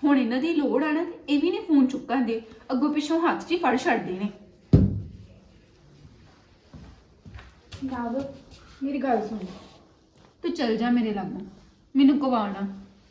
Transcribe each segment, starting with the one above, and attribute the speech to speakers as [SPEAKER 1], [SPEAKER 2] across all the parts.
[SPEAKER 1] ਹੁਣ ਇਹਨਾਂ ਦੀ ਲੋੜ ਆ ਨਾ ਤੇ ਇਹ ਵੀ ਨਹੀਂ ਫੋਨ ਚੁੱਕਣ ਦੇ, ਅੱਗੋਂ ਪਿੱਛੋਂ ਹੱਥ 'ਚ ਹੀ ਫੜ ਛੱਡਦੇ ਨੇ।
[SPEAKER 2] ਨਾਬ ਮੇਰੀ ਗੱਲ ਸੁਣ,
[SPEAKER 1] ਤੂੰ ਚੱਲ ਜਾ ਮੇਰੇ ਲਾਗੋਂ, ਮੈਨੂੰ ਕਵਾਣਾ।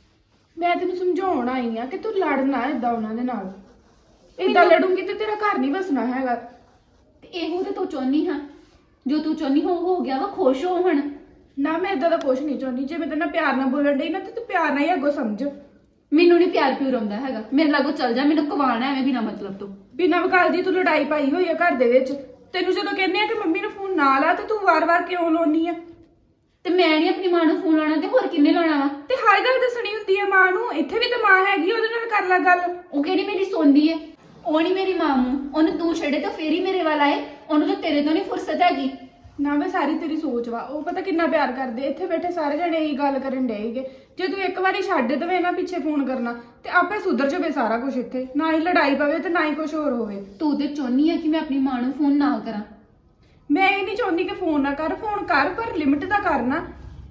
[SPEAKER 2] ਮੈਂ ਤੈਨੂੰ ਸਮਝਾਉਣ ਆਈ ਆ ਕਿ ਤੂੰ ਲੜਨਾ ਏਦਾਂ ਉਹਨਾਂ ਦੇ ਨਾਲ। ਏਦਾਂ ਲੜੂੰਗੀ ਤੇ ਤੇਰਾ ਘਰ ਨਹੀਂ ਵਸਣਾ ਹੈਗਾ।
[SPEAKER 1] ਤੇ ਇਹੋ ਤੇ ਤੂੰ ਚਾਹੁੰਦੀ ਹਾਂ, ਜੋ ਤੂੰ ਚਾਹੁੰਦੀ ਹੋ ਗਿਆ ਵਾ, ਖੁਸ਼ ਹੋ ਹੁਣ।
[SPEAKER 2] ਨਾ ਮੈਂ ਏਦਾਂ ਦਾ ਕੁਛ ਨਹੀਂ ਚਾਹੁੰਦੀ। ਜੇ ਮੈਂ ਤੇਰੇ ਨਾਲ ਪਿਆਰ ਨਾਲ ਬੋਲਣ ਡਈ ਨਾ ਤੇ ਤੂੰ ਪਿਆਰ ਨਾਲ ਹੀ ਅੱਗੋਂ ਸਮਝ।
[SPEAKER 1] ਮੈਨੂੰ ਨਹੀਂ ਪਿਆਰ ਪਿਉਰ ਆਉਂਦਾ ਹੈਗਾ, ਮੇਰੇ ਲਾਗੋਂ ਚੱਲ ਜਾ, ਮੈਨੂੰ ਕਵਾਣਾ ਐਵੇਂ ਬਿਨਾ ਮਤਲਬ ਤੋਂ।
[SPEAKER 2] ਬਿਨਾਂ ਵਕਾਲ ਦੀ ਤੂੰ ਲੜਾਈ ਪਾਈ ਹੋਈ ਆ ਘਰ ਦੇ ਵਿੱਚ। ਤੈਨੂੰ ਜਦੋਂ ਕਹਿੰਦੇ ਆ ਕਿ ਮੰਮੀ ਨੂੰ ਫੋਨ ਨਾ ਲਾ ਤੇ ਤੂੰ ਵਾਰ-ਵਾਰ ਕਿਉਂ ਲਾਉਣੀ ਆ?
[SPEAKER 1] ਤੇ ਮੈਂ ਨਹੀਂ ਆਪਣੀ ਮਾਂ ਨੂੰ ਫੋਨ ਲਾਉਣਾ ਤੇ ਹੋਰ ਕਿੰਨੇ ਲਾਉਣਾ ਵਾ?
[SPEAKER 2] ਤੇ ਹਰ ਗੱਲ ਦੱਸਣੀ ਹੁੰਦੀ ਆ ਮਾਂ ਨੂੰ। ਇੱਥੇ ਵੀ ਤਾਂ ਮਾਂ ਹੈਗੀ, ਉਹਦੇ ਨਾਲ ਕਰ ਲੈ ਗੱਲ।
[SPEAKER 1] ਉਹ ਕਿਹੜੀ ਮੇਰੀ ਸੁਣਦੀ ਹੈ? ਉਹ ਨਹੀਂ ਮੇਰੀ ਮਾਂ ਨੂੰ, ਉਹਨੂੰ ਤੂੰ ਛੱਡੇ ਤਾਂ ਫੇਰ ਹੀ ਮੇਰੇ ਵੱਲ ਆਏ। ਉਹਨੂੰ ਤਾਂ ਤੇਰੇ ਤੋਂ ਨਹੀਂ ਫੁਰਸਤ ਹੈਗੀ।
[SPEAKER 2] ਨਾ ਮੈਂ ਸਾਰੀ ਤੇਰੀ ਸੋਚ ਵਾ, ਉਹ ਪਤਾ ਕਿੰਨਾ ਪਿਆਰ ਕਰਦੇ। ਇੱਥੇ ਬੈਠੇ ਸਾਰੇ ਜਣੇ ਇਹੀ ਗੱਲ ਕਰਨ ਡਏਗੇ। ਜੇ ਤੂੰ ਇੱਕ ਵਾਰੀ ਛੱਡ ਦੇਵੇਂ ਨਾ ਪਿੱਛੇ ਫੋਨ ਕਰਨਾ ਤੇ ਆਪੇ ਸੁਧਰ ਜਾਵੇ ਸਾਰਾ ਕੁਝ। ਇੱਥੇ ਨਾ ਹੀ ਲੜਾਈ ਪਵੇ ਤੇ ਨਾ ਹੀ ਕੁਝ ਹੋਰ ਹੋਵੇ।
[SPEAKER 1] ਤੂੰ ਤੇ ਚਾਹੁੰਦੀ ਹੈ ਕਿ ਮੈਂ ਆਪਣੀ ਮਾਂ ਨੂੰ ਫੋਨ ਨਾ ਕਰਾਂ।
[SPEAKER 2] ਮੈਂ ਇਹ ਨਹੀਂ ਚਾਹੁੰਦੀ ਕਿ ਫੋਨ ਨਾ ਕਰ, ਫੋਨ ਕਰ ਪਰ ਲਿਮਿਟ ਦਾ ਕਰਨਾ।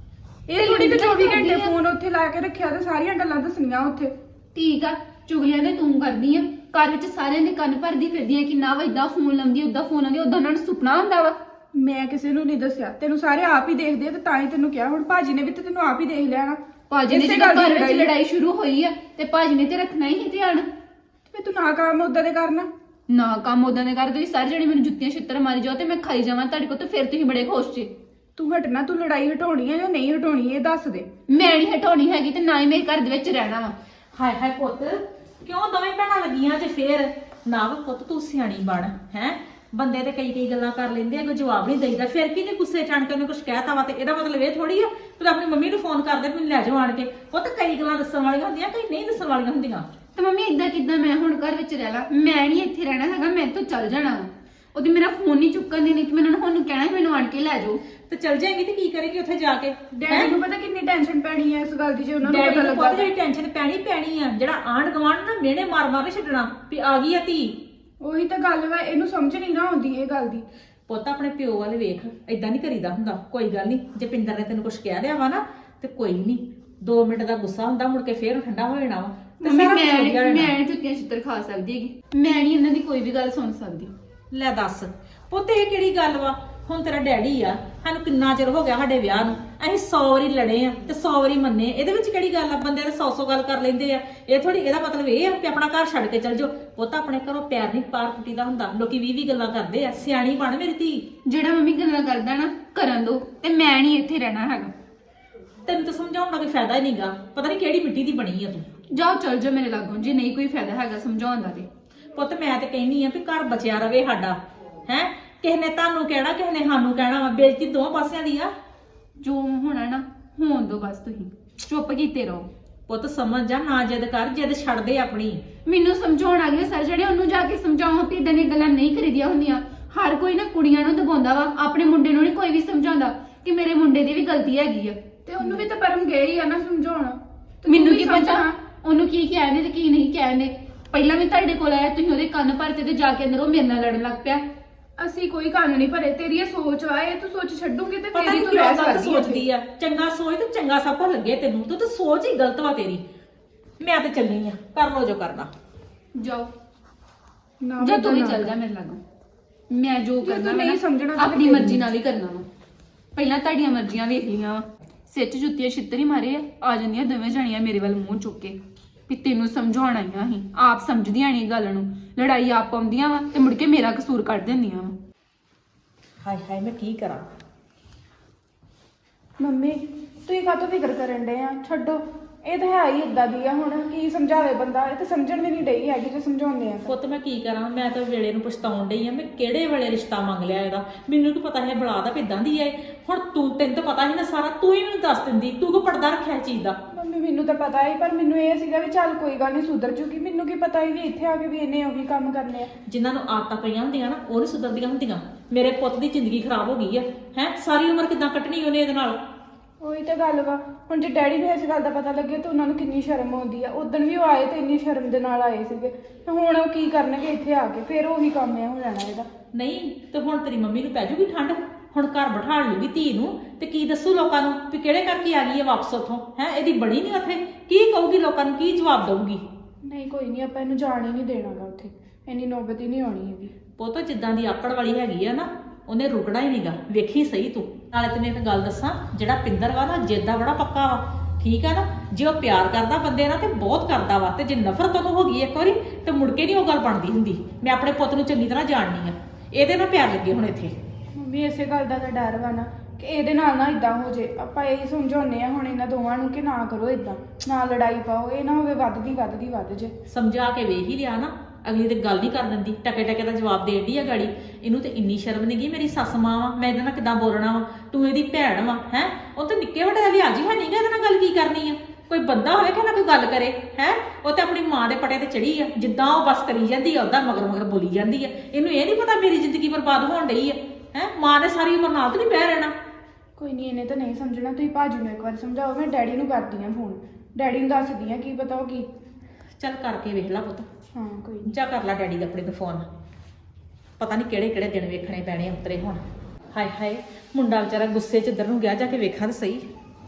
[SPEAKER 2] ਇਹ ਥੋੜੀ ਕਿ 24 ਘੰਟੇ ਫੋਨ ਉੱਥੇ ਲਾ ਕੇ ਰੱਖਿਆ ਤੇ ਸਾਰੀਆਂ ਗੱਲਾਂ ਦੱਸਣੀਆਂ ਉੱਥੇ।
[SPEAKER 1] ਠੀਕ ਆ, ਚੁਗਲੀਆਂ ਤੇ ਤੂੰ ਕਰਦੀ ਆ, ਘਰ ਵਿੱਚ ਸਾਰਿਆਂ ਦੇ ਕੰਨ ਭਰਦੀ ਫਿਰਦੀ ਆ ਕਿ ਨਾ ਵਾ ਏਦਾਂ ਫੋਨ ਲਾਉਂਦੀ, ਓਦਾਂ ਫੋਨ ਲਾਉਂਦੀ, ਓਦਾਂ ਉਹਨਾਂ ਨੂੰ ਸੁਪਨਾ ਹੁੰਦਾ ਵਾ।
[SPEAKER 2] ਮੈਂ ਕਿਸੇ ਨੂੰ ਨਹੀਂ ਦੱਸਿਆ, ਤੈਨੂੰ ਸਾਰੇ ਆਪ ਹੀ ਦੇਖਦੇ ਆ ਤੇ ਤਾਂ ਹੀ ਤੈਨੂੰ ਕਿਹਾ। ਹੁਣ ਭਾਜੀ ਨੇ ਵੀ ਤੇ ਤੈਨੂੰ ਆਪ ਹੀ ਦੇਖ ਲਿਆ ਨਾ।
[SPEAKER 1] ਭਾਜੀ ਨੇ ਜਦੋਂ ਘਰ ਵਿੱਚ ਲੜਾਈ ਸ਼ੁਰੂ ਹੋਈ ਆ ਤੇ ਭਾਜੀ ਨੇ ਤੇ ਰੱਖਣਾ ਹੀ ਧਿਆਨ।
[SPEAKER 2] ਤੇ ਤੂੰ ਨਾ ਕੰਮ ਉਦਾਂ ਦੇ ਕਰਨਾ।
[SPEAKER 1] ਨਾ ਕੰਮ ਉਦਾਂ ਦੇ ਕਰ, ਤੁਸੀਂ ਸਾਰੇ ਜਣੇ ਮੈਨੂੰ ਜੁੱਤੀਆਂ ਛਿੱਤਰ ਮਾਰੀ ਜਾਓ ਤੇ ਮੈਂ ਖਾਈ ਜਾਵਾਂ ਤੁਹਾਡੇ ਕੋਲ, ਤੇ ਫਿਰ ਤੁਸੀਂ ਬੜੇ ਖੁਸ਼ ਜੇ।
[SPEAKER 2] ਤੂੰ ਹਟਣਾ, ਤੂੰ ਲੜਾਈ ਹਟਾਉਣੀ ਹੈ ਜਾਂ ਨਹੀਂ ਹਟਾਉਣੀ ਇਹ ਦੱਸ ਦੇ।
[SPEAKER 1] ਮੈਂ ਨਹੀਂ ਹਟਾਉਣੀ ਹੈਗੀ ਤੇ ਨਾ ਹੀ ਮੇਰੇ ਘਰ ਦੇ ਵਿੱਚ ਰਹਿਣਾ ਵਾ।
[SPEAKER 3] ਹਾਏ ਹਾਏ ਪੁੱਤ, ਕਿਉਂ ਦੋਵੇਂ ਭੈਣਾਂ ਲੱਗੀਆਂ ਜੇ ਫੇਰ? ਨਾ ਪੁੱਤ ਤੂੰ ਸਿਆਣੀ ਬਣ ਹੈ। ਬੰਦੇ ਤੇ ਕਈ ਗੱਲਾਂ ਕਰ ਲੈਂਦੇ ਆ, ਕੋਈ ਜਵਾਬ ਨਹੀਂ ਦੇਈਦਾ। ਫਿਰ ਕੀ ਨੇ ਗੁੱਸੇ ਚ ਆਣ ਕੇ ਉਹਨੇ ਕੁਝ ਕਹਿਤਾ ਵਾ ਤੇ ਇਹਦਾ ਮਤਲਬ ਇਹ ਥੋੜੀ ਆ ਤੂੰ ਆਪਣੀ ਮੰਮੀ ਨੂੰ ਫੋਨ ਕਰਦੇ ਮੈਨੂੰ ਲੈ ਜਾਓ ਆਣ ਕੇ। ਪੁੱਤ ਕਈ ਗੱਲਾਂ ਦੱਸਣ ਵਾਲੀਆਂ ਹੁੰਦੀਆਂ, ਕਈ ਨਹੀਂ ਦੱਸਣ ਵਾਲੀਆਂ ਹੁੰਦੀਆਂ।
[SPEAKER 1] ਤੇ ਮੰਮੀ ਇਦਾਂ ਕਿਦਾਂ ਮੈਂ ਹੁਣ ਘਰ ਵਿੱਚ ਰਹਿ ਲਾ? ਮੈਂ ਨਹੀਂ ਇੱਥੇ ਰਹਿਣਾ ਹੈਗਾ, ਮੈਂ ਤੋਂ ਚੱਲ ਜਾਣਾ ਵਾ। ਉਹਦੀ ਮੇਰਾ ਫੋਨ ਨਹੀਂ ਚੁੱਕਣ ਦੀ, ਨਹੀਂ ਤੇ ਮੈਨੂੰ ਉਹਨੂੰ ਕਹਿਣਾ ਸੀ ਮੈਨੂੰ ਆਣ ਕੇ ਲੈ ਜਾਓ।
[SPEAKER 3] ਤੇ ਚੱਲ ਜਾਏਗੀ ਤੇ ਕੀ ਕਰੇਗੀ ਉੱਥੇ ਜਾ ਕੇ?
[SPEAKER 2] ਡੈਡੀ ਨੂੰ ਪਤਾ ਕਿੰਨੀ ਟੈਨਸ਼ਨ ਪੈਣੀ ਹੈ ਇਸ ਗੱਲ ਦੀ ਜੇ ਉਹਨਾਂ ਨੂੰ
[SPEAKER 3] ਡੈਡੀ
[SPEAKER 2] ਪਤਾ
[SPEAKER 3] ਨੂੰ
[SPEAKER 2] ਲੱਗਾ।
[SPEAKER 3] ਪੁੱਤ ਜਿਹੜੀ ਟੈਨਸ਼ਨ ਪੈਣੀ ਆ, ਜਿਹੜਾ ਆਂਢ ਗੁਆਂਢ ਨਾ ਮਿਹਣੇ ਮਾਰ ਮਾਰ ਕੇ ਛੱਡਣਾ ਵੀ ਆ ਗਈ ਆ ਧੀ।
[SPEAKER 2] ਉਹੀ ਤਾਂ ਗੱਲ ਵਾ, ਇਹਨੂੰ ਸਮਝ ਨਹੀਂ ਨਾ ਆਉਂਦੀ ਇਹ ਗੱਲ ਦੀ।
[SPEAKER 3] ਪੁੱਤ ਆਪਣੇ ਪਿਓ ਵੱਲ ਵੇਖ, ਏਦਾਂ ਨਹੀਂ ਕਰੀਦਾ ਹੁੰਦਾ। ਕੋਈ ਗੱਲ ਨਹੀਂ, ਜੇ ਪਿੰਦਰ ਨੇ ਤੈਨੂੰ ਕੁਝ ਕਹਿ ਦਿਆ ਵਾ ਨਾ ਤੇ ਕੋਈ ਨਹੀਂ, 2 ਮਿੰਟ ਦਾ ਗੁੱਸਾ ਹੁੰਦਾ, ਮੁੜ ਕੇ ਫੇਰ ਠੰਡਾ ਹੋ ਜਾਣਾ ਵਾ।
[SPEAKER 1] ਮੰਮੀ ਮੈਂ ਨਹੀਂ ਜੁੱਤੀਆਂ ਛਿੱਤਰ ਖਾ ਸਕਦੀ ਹੈਗੀ, ਮੈਂ ਨਹੀਂ ਇਹਨਾਂ ਦੀ ਕੋਈ ਵੀ ਗੱਲ ਸੁਣ ਸਕਦੀ।
[SPEAKER 3] ਲੈ ਦੱਸ ਪੁੱਤ, ਇਹ ਕਿਹੜੀ ਗੱਲ ਵਾ? ਹੁਣ ਤੇਰਾ ਡੈਡੀ ਆ, ਸਾਨੂੰ ਕਿੰਨਾ ਚਿਰ ਹੋ ਗਿਆ ਸਾਡੇ ਵਿਆਹ ਨੂੰ, ਅਸੀਂ 100 ਵਾਰੀ ਲੜੇ ਆ ਤੇ 100 ਵਾਰੀ ਮੰਨੇ। ਇਹਦੇ ਵਿੱਚ ਕਿਹੜੀ ਗੱਲ ਆ? ਬੰਦੇ ਤੇ 100 ਗੱਲ ਕਰ ਲੈਂਦੇ ਆ। ਇਹ ਥੋੜੀ ਇਹਦਾ ਮਤਲਬ ਇਹ ਆ ਕਿ ਆਪਣਾ ਘਰ ਛੱਡ ਕੇ ਚੱਲ ਜਾਓ। ਪੁੱਤ ਆਪਣੇ ਘਰੋਂ ਪੈਰ ਨਹੀਂ ਪਾਰ ਟੁੱਟੀਦਾ ਹੁੰਦਾ। ਲੋਕੀ 20 ਗੱਲਾਂ ਕਰਦੇ ਆ। ਸਿਆਣੀ ਬਣ ਮੇਰੀ ਧੀ।
[SPEAKER 1] ਜਿਹੜਾ ਮੰਮੀ ਗੱਲਾਂ ਕਰਦਾ ਨਾ ਕਰਨ ਦੋ, ਤੇ ਮੈਂ ਨਹੀਂ ਇੱਥੇ ਰਹਿਣਾ ਹੈਗਾ।
[SPEAKER 3] ਤੈਨੂੰ ਤਾਂ ਸਮਝਾਉਣ ਦਾ ਕੋਈ ਫਾਇਦਾ ਹੀ ਨਹੀਂਗਾ। ਪਤਾ ਨਹੀਂ ਕਿਹੜੀ ਮਿੱਟੀ ਦੀ ਬਣੀ ਆ ਤੂੰ।
[SPEAKER 1] ਜਾਓ ਚੱਲ ਜਾਓ ਮੇਰੇ ਲਾਗੋਂ, ਜੇ ਨਹੀਂ ਕੋਈ ਫਾਇਦਾ ਹੈਗਾ ਸਮਝਾਉਣ ਦਾ ਤੇ।
[SPEAKER 3] ਪੁੱਤ ਮੈਂ ਤੇ ਕਹਿੰਨੀ ਆ ਵੀ ਘਰ ਬਚਿਆ ਰਵੇ ਸਾਡਾ। ਹੈ ਕਿਸੇ ਨੇ ਤੁਹਾਨੂੰ ਕਹਿਣਾ, ਕਿਸੇ ਨੇ ਸਾਨੂੰ ਕਹਿਣਾ ਵਾ। ਬੇਇੱਜ਼ਤੀ ਦੋਵਾਂ ਪਾਸਿਆਂ ਦੀ ਆ।
[SPEAKER 1] ਜੋ ਹੋਣਾ ਨਾ ਹੋਣ ਦੋ, ਬਸ ਤੁਸੀਂ ਚੁੱਪ ਕੀਤੇ ਰਹੋ।
[SPEAKER 3] ਪੁੱਤ ਸਮਝ ਜਾ, ਨਾ ਜਿੱਦ ਕਰ, ਜਿੱਦ ਛੱਡ ਦੇ ਆਪਣੀ।
[SPEAKER 1] ਮੈਨੂੰ ਸਮਝਾਉਣ ਆ ਗਏ ਸਰ ਜਿਹੜੇ, ਉਹਨੂੰ ਜਾ ਕੇ ਸਮਝਾਓ ਵੀ ਇਦਾਂ ਦੀਆਂ ਗੱਲਾਂ ਨਹੀਂ ਕਰੀਦੀਆਂ ਹੁੰਦੀਆਂ। ਹਰ ਕੋਈ ਨਾ ਕੁੜੀਆਂ ਨੂੰ ਦਬਾਉਂਦਾ ਵਾ, ਆਪਣੇ ਮੁੰਡੇ ਨੂੰ ਨਹੀਂ ਕੋਈ ਵੀ ਸਮਝਾਉਂਦਾ ਕਿ ਮੇਰੇ ਮੁੰਡੇ ਦੀ ਵੀ ਗਲਤੀ ਹੈਗੀ ਆ।
[SPEAKER 2] ਤੇ ਉਹਨੂੰ ਵੀ ਤਾਂ ਪਰਮ ਗਏ ਹੀ ਆ ਨਾ ਸਮਝਾਉਣ।
[SPEAKER 1] ਮੈਨੂੰ ਕੀ ਪਤਾ ਉਹਨੂੰ ਕੀ ਕਹਿੰਦੇ ਤੇ ਕੀ ਨਹੀਂ ਕਹਿੰਦੇ। ਪਹਿਲਾਂ ਵੀ ਤੁਹਾਡੇ ਕੋਲ ਆਇਆ, ਤੁਸੀਂ ਉਹਦੇ ਕੰਨ ਭਰਤੇ ਤੇ ਜਾ ਕੇ ਅੰਦਰ ਉਹ ਮੇਰੇ ਨਾਲ ਲੜਨ ਲੱਗ ਪਿਆ।
[SPEAKER 2] ਅਸੀਂ ਕੋਈ ਕੰਨ ਨਹੀਂ ਭਰੇ। ਤੇਰੀ ਇਹ ਸੋਚ ਆ, ਇਹ ਤੂੰ ਸੋਚ ਛੱਡੂਗੀ ਤੇ
[SPEAKER 3] ਪਤਾ
[SPEAKER 2] ਫੇਰ
[SPEAKER 3] ਨਹੀਂ
[SPEAKER 2] ਹੀ ਤੂੰ
[SPEAKER 3] ਕਿਉਂ
[SPEAKER 2] ਰਹਿ
[SPEAKER 3] ਗਲਤ
[SPEAKER 2] ਸਕਦੀ ਹੈ।
[SPEAKER 3] ਸੋਚਦੀ ਆ। ਚੰਗਾ ਸੋਚ ਤੇ ਚੰਗਾ ਸਭ ਕੁਝ ਲੱਗੇ ਤੈਨੂੰ। ਤੂੰ ਤਾਂ ਸੋਚ ਹੀ ਗਲਤ ਵਾ ਤੇਰੀ। ਮੈਂ ਤੇ ਚੱਲੀ ਆ, ਕਰ ਲੋ ਜੋ ਕਰਨਾ।
[SPEAKER 1] ਜਾਓ
[SPEAKER 2] ਨਾ
[SPEAKER 1] ਜਾਂ ਤੂੰ ਵੀ
[SPEAKER 2] ਨਾ
[SPEAKER 1] ਚੱਲ ਜਾ ਮੇਰੇ ਲਾਗੋਂ। ਮੈਂ ਜੋ
[SPEAKER 2] ਜੇ
[SPEAKER 1] ਕਰਨਾ
[SPEAKER 2] ਤੂੰ ਨਹੀਂ ਸਮਝਣਾ ਤਾਂ
[SPEAKER 1] ਆਪਣੀ
[SPEAKER 2] ਫਿਰ
[SPEAKER 1] ਮਰਜ਼ੀ ਨਾਲ ਹੀ ਕਰਨਾ ਵਾ। ਪਹਿਲਾਂ ਤੁਹਾਡੀਆਂ ਮਰਜ਼ੀਆਂ ਵੇਖ ਲੀਆਂ ਵਾ, ਸਿਰ 'ਚ ਜੁੱਤੀਆਂ ਛਿੱਤਰ ਹੀ ਮਾਰੇ ਆ ਜਾਂਦੀਆਂ ਦੋਵੇਂ ਜਾਣੀਆਂ ਮੇਰੇ ਵੱਲ ਮੂੰਹ ਚੁੱਕ ਕੇ ਵੀ ਤੈਨੂੰ ਸਮਝਾਉਣ ਆਈਆਂ ਸੀ। ਆਪ ਸਮਝਦੀਆਂ ਨਹੀਂ ਗੱਲ ਨੂੰ, ਲੜਾਈ ਆਪ ਪਾਉਂਦੀਆਂ ਵਾ ਤੇ ਮੁੜ ਕੇ ਮੇਰਾ ਕਸੂਰ ਕੱਢ ਦਿੰਦੀਆਂ ਵਾ।
[SPEAKER 3] ਹਾਏ ਹਾਏ ਮੈਂ ਕੀ ਕਰਾਂ?
[SPEAKER 2] ਮੰਮੀ ਤੁਸੀਂ ਕਾਹਤੋਂ ਫਿਕਰ ਕਰਨ ਡਏ ਆ? ਛੱਡੋ, ਇਹ ਤਾਂ ਹੈ ਹੀ ਇਦਾਂ ਦੀ ਆ। ਹੁਣ ਕੀ ਸਮਝਾਵੇ ਬੰਦਾ? ਇਹ ਤਾਂ ਸਮਝਣ ਵੀ ਨਹੀਂ ਡਈ ਹੈਗੀ ਜੇ ਸਮਝਾਉਂਦੇ ਆ।
[SPEAKER 3] ਪੁੱਤ ਮੈਂ ਕੀ ਕਰਾਂ? ਮੈਂ ਤਾਂ ਵੇਲੇ ਨੂੰ ਪਛਤਾਉਣ ਡਈ ਆ। ਮੈਂ ਕਿਹੜੇ ਵੇਲੇ ਰਿਸ਼ਤਾ ਮੰਗ ਲਿਆ ਇਹਦਾ? ਮੈਨੂੰ ਕੀ ਪਤਾ ਹੈ ਬਲਾ ਦਾ ਕਿਦਾਂ ਦੀ ਹੈ। ਹੁਣ ਤੈਨੂੰ ਤਾਂ ਪਤਾ ਹੀ ਨਾ ਸਾਰਾ, ਤੂੰ ਹੀ ਮੈਨੂੰ ਦੱਸ ਦਿੰਦੀ। ਤੂੰ ਕੋ ਪਰਦਾ ਰੱਖਿਆ ਇਹ ਚੀਜ਼ ਦਾ?
[SPEAKER 2] ਮੰਮੀ ਮੈਨੂੰ ਤਾਂ ਪਤਾ ਹੀ, ਪਰ ਮੈਨੂੰ ਇਹ ਸੀਗਾ ਵੀ ਚੱਲ ਕੋਈ ਗੱਲ ਨਹੀਂ ਸੁਧਰ ਜੂਗੀ। ਮੈਨੂੰ ਕੀ ਪਤਾ ਹੀ ਵੀ ਇੱਥੇ ਆ ਕੇ ਵੀ ਇਹਨੇ ਉਹੀ ਕੰਮ ਕਰਨੇ ਆ।
[SPEAKER 3] ਜਿਨ੍ਹਾਂ ਨੂੰ ਆਦਤਾਂ ਪਈਆਂ ਹੁੰਦੀਆਂ ਨਾ ਉਹ ਨੀ ਸੁਧਰਦੀਆਂ ਹੁੰਦੀਆਂ। ਮੇਰੇ ਪੁੱਤ ਦੀ ਜ਼ਿੰਦਗੀ ਖਰਾਬ ਹੋ ਗਈ ਆ। ਹੈ ਸਾਰੀ ਉਮਰ ਕਿਦਾਂ ਕੱਟਣੀ ਉਹਨੇ ਇਹਦੇ ਨਾਲ?
[SPEAKER 2] ਉਹੀ ਤਾਂ ਗੱਲ ਵਾ। ਹੁਣ ਜੇ ਡੈਡੀ ਨੂੰ ਇਸ ਗੱਲ ਦਾ ਪਤਾ ਲੱਗੇ ਤਾਂ ਉਹਨਾਂ ਨੂੰ ਕਿੰਨੀ ਸ਼ਰਮ ਆਉਂਦੀ ਆ। ਉਦੋਂ ਵੀ ਉਹ ਆਏ ਤੇ ਇੰਨੀ ਸ਼ਰਮ ਦੇ ਨਾਲ ਆਏ ਸੀਗੇ, ਤੇ ਹੁਣ ਉਹ ਕੀ ਕਰਨਗੇ ਇੱਥੇ ਆ ਕੇ? ਫਿਰ ਉਹੀ ਕੰਮ ਆ ਹੋ ਜਾਣਾ ਇਹਦਾ।
[SPEAKER 3] ਨਹੀਂ ਤੇ ਹੁਣ ਤੇਰੀ ਮੰਮੀ ਨੂੰ ਪੈ ਜੂਗੀ ਠੰਡ। ਹੁਣ ਘਰ ਬਿਠਾ ਲੂਗੀ ਧੀ ਨੂੰ ਤੇ ਕੀ ਦੱਸੂ ਲੋਕਾਂ ਨੂੰ ਵੀ ਕਿਹੜੇ ਕਰਕੇ ਆ ਗਈ ਹੈ ਵਾਪਸ ਉੱਥੋਂ? ਹੈ ਇਹਦੀ ਬਣੀ ਨਹੀਂ ਉੱਥੇ। ਕੀ ਕਹੂਗੀ ਲੋਕਾਂ ਨੂੰ? ਕੀ ਜਵਾਬ ਦਊਗੀ?
[SPEAKER 2] ਨਹੀਂ ਕੋਈ ਨਹੀਂ, ਆਪਾਂ ਇਹਨੂੰ ਜਾਣ ਹੀ ਨਹੀਂ ਦੇਣਾਗਾ ਉੱਥੇ, ਇੰਨੀ ਨੌਬਤ ਹੀ ਨਹੀਂ ਆਉਣੀ ਹੈਗੀ।
[SPEAKER 3] ਪੁੱਤ ਜਿੱਦਾਂ ਦੀ ਆਕੜ ਵਾਲੀ ਹੈਗੀ ਆ ਨਾ, ਉਹਨੇ ਰੁਕਣਾ ਹੀ ਨਹੀਂਗਾ। ਵੇਖੀ ਸਹੀ ਤੂੰ। ਨਾਲੇ ਤੈਨੂੰ ਇੱਕ ਗੱਲ ਦੱਸਾਂ, ਜਿਹੜਾ ਪਿੰਦਰ ਵਾ ਨਾ ਜਿੱਦ ਦਾ ਬੜਾ ਪੱਕਾ ਵਾ, ਠੀਕ ਆ ਨਾ। ਜੇ ਉਹ ਪਿਆਰ ਕਰਦਾ ਬੰਦੇ ਨਾਲ ਤੇ ਬਹੁਤ ਕਰਦਾ ਵਾ, ਤੇ ਜੇ ਨਫ਼ਰਤ ਉਹਨੂੰ ਹੋ ਗਈ ਇੱਕ ਵਾਰੀ ਤੇ ਮੁੜ ਕੇ ਨਹੀਂ ਉਹ ਗੱਲ ਬਣਦੀ ਹੁੰਦੀ। ਮੈਂ ਆਪਣੇ ਪੁੱਤ ਨੂੰ ਚੰਗੀ ਤਰ੍ਹਾਂ ਜਾਣਨੀ ਆ, ਇਹਦੇ ਨਾਲ ਪਿਆਰ ਲੱਗੇ ਹੁਣ ਇੱਥੇ।
[SPEAKER 2] ਮੰਮੀ ਇਸੇ ਗੱਲ ਦਾ ਤਾਂ ਡਰ ਵਾ ਨਾ ਕਿ ਇਹਦੇ ਨਾਲ ਨਾ ਇਦਾਂ ਹੋ ਜੇ। ਆਪਾਂ ਇਹ ਸਮਝਾਉਂਦੇ ਆ ਹੁਣ ਇਹਨਾਂ ਦੋਵਾਂ ਨੂੰ ਕਿ ਨਾ ਕਰੋ ਇਦਾਂ, ਨਾ ਲੜਾਈ ਪਾਓ, ਇਹ ਨਾ ਹੋਵੇ ਵੱਧ ਜੇ।
[SPEAKER 3] ਸਮਝਾ ਕੇ ਵੇਖ ਹੀ ਲਿਆ ਨਾ, ਅਗਲੀ ਤੇ ਗੱਲ ਨਹੀਂ ਕਰ ਦਿੰਦੀ, ਟਕੇ ਟਕੇ ਦਾ ਜਵਾਬ ਦੇਣ ਡਈ ਆ ਗਾੜੀ। ਇਹਨੂੰ ਤੇ ਇੰਨੀ ਸ਼ਰਮ ਨਹੀਂ ਗਈ, ਮੇਰੀ ਸੱਸ ਮਾਂ ਵਾ, ਮੈਂ ਇਹਦੇ ਨਾਲ ਕਿੱਦਾਂ ਬੋਲਣਾ ਵਾ, ਤੂੰ ਇਹਦੀ ਭੈਣ ਵਾ ਹੈ। ਉਹ ਤੇ ਨਿੱਕੇ ਵੱਡੇ ਦਾ ਲਿਹਾਜ਼ ਹੀ ਹੈ ਨਹੀਂਗਾ, ਇਹਦੇ ਨਾਲ ਗੱਲ ਕੀ ਕਰਨੀ ਆ। ਕੋਈ ਬੰਦਾ ਹੋਵੇ ਕਿ ਨਾ ਕੋਈ ਗੱਲ ਕਰੇ ਹੈ। ਉਹ ਤੇ ਆਪਣੀ ਮਾਂ ਦੇ ਪਟੇ ਤੇ ਚੜੀ ਆ, ਜਿੱਦਾਂ ਉਹ ਬਸ ਕਰੀ ਜਾਂਦੀ ਆ ਉਦਾਂ ਮਗਰ ਮਗਰ ਬੋਲੀ ਜਾਂਦੀ ਆ। ਇਹਨੂੰ ਇਹ ਨਹੀਂ ਪਤਾ ਮੇਰੀ ਜ਼ਿੰਦਗੀ ਬਰਬਾਦ ਹੋਣ ਡਈ ਆ ਹੈ। ਮਾਂ ਨੇ ਸਾਰੀ ਉਮਰ ਨਾਲ ਤੇ ਨਹੀਂ ਬਹਿ ਰਹਿਣਾ।
[SPEAKER 2] ਕੋਈ ਨਹੀਂ, ਇਹਨੇ ਤਾਂ ਨਹੀਂ ਸਮਝਣਾ। ਤੁਸੀਂ ਭਾਜੀ ਨੂੰ ਇੱਕ ਵਾਰ ਸਮਝਾਓ। ਮੈਂ ਡੈਡੀ ਨੂੰ ਕਰਦੀ ਆ ਫੋਨ, ਡੈਡੀ ਨੂੰ ਦੱਸਦੀ ਆ ਕੀ ਪਤਾ ਉਹ ਕੀ।
[SPEAKER 3] ਚੱਲ ਕਰਕੇ ਵੇਖ ਲੈ ਪੁੱਤ।
[SPEAKER 2] ਹਾਂ ਕੋਈ ਨਹੀਂ।
[SPEAKER 3] ਜਾ ਕਰ ਲੈ ਡੈਡੀ ਦੇ ਆਪਣੇ ਨੂੰ ਫੋਨ। ਪਤਾ ਨਹੀਂ ਕਿਹੜੇ ਕਿਹੜੇ ਦਿਨ ਵੇਖਣੇ ਪੈਣੇ ਅੰਤਰੇ ਹੁਣ। ਹਾਏ ਹਾਏ, ਮੁੰਡਾ ਵਿਚਾਰਾ ਗੁੱਸੇ 'ਚ ਇੱਧਰ ਨੂੰ ਗਿਆ, ਜਾ ਕੇ ਵੇਖਾਂ ਤਾਂ ਸਹੀ।